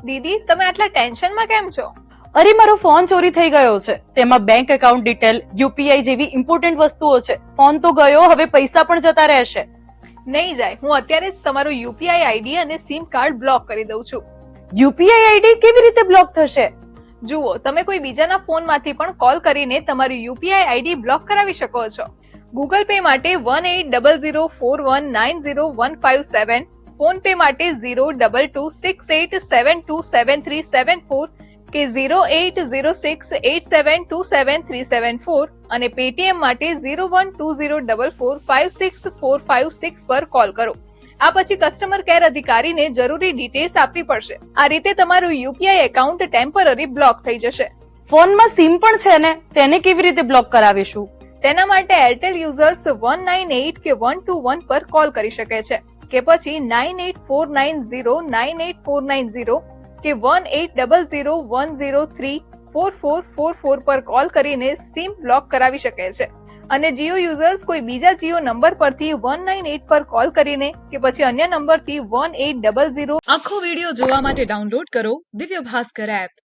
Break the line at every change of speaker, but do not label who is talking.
દીદી, તમે આટલા ટેન્શનમાં કેમ છો?
અરે મારો ફોન ચોરી થઈ ગયો છે. તેમાં બેંક એકાઉન્ટ ડિટેલ, યુપીઆઈ જેવી ઇમ્પોર્ટન્ટ વસ્તુઓ છે. ફોન તો ગયો, હવે પૈસા પણ જતા રહેશે.
નહીં જાય, હું અત્યારે જ તમારું યુપીઆઈ આઈડી અને સિમ કાર્ડ બ્લોક કરી દઉં છું.
યુપીઆઈ આઈડી કેવી રીતે બ્લોક થશે?
જુઓ, તમે કોઈ બીજાના ફોનમાંથી પણ કોલ કરીને તમારું યુપીઆઈ આઈડી બ્લોક કરાવી શકો છો. ગૂગલ પે માટે 1800419015 ફોન પે માટે 02268727374 કે 080687273734 અને પેટીએમ માટે 0120445645 પર કોલ કરો. આ પછી કસ્ટમર કેર અધિકારીને જરૂરી ડિટેલ્સ આપવી પડશે. આ રીતે તમારું યુપીઆઈ એકાઉન્ટ ટેમ્પરરી બ્લોક થઈ જશે.
ફોનમાં સિમ પણ છે ને, તેને કેવી રીતે બ્લોક કરાવીશું?
તેના માટે એરટેલ યુઝર્સ 198 કે 121 પર કોલ કરી શકે છે, કે પછી 9849098490 કે 180010344444 પર કોલ કરીને સિમ બ્લોક કરાવી શકે છે. અને જીઓ યુઝર્સ કોઈ બીજા જીઓ નંબર પરથી 198 પર કોલ કરીને કે પછી અન્ય નંબરથી 1800.
આખો વિડિયો જોવા માટે ડાઉનલોડ કરો દિવ્ય ભાસ્કર એપ.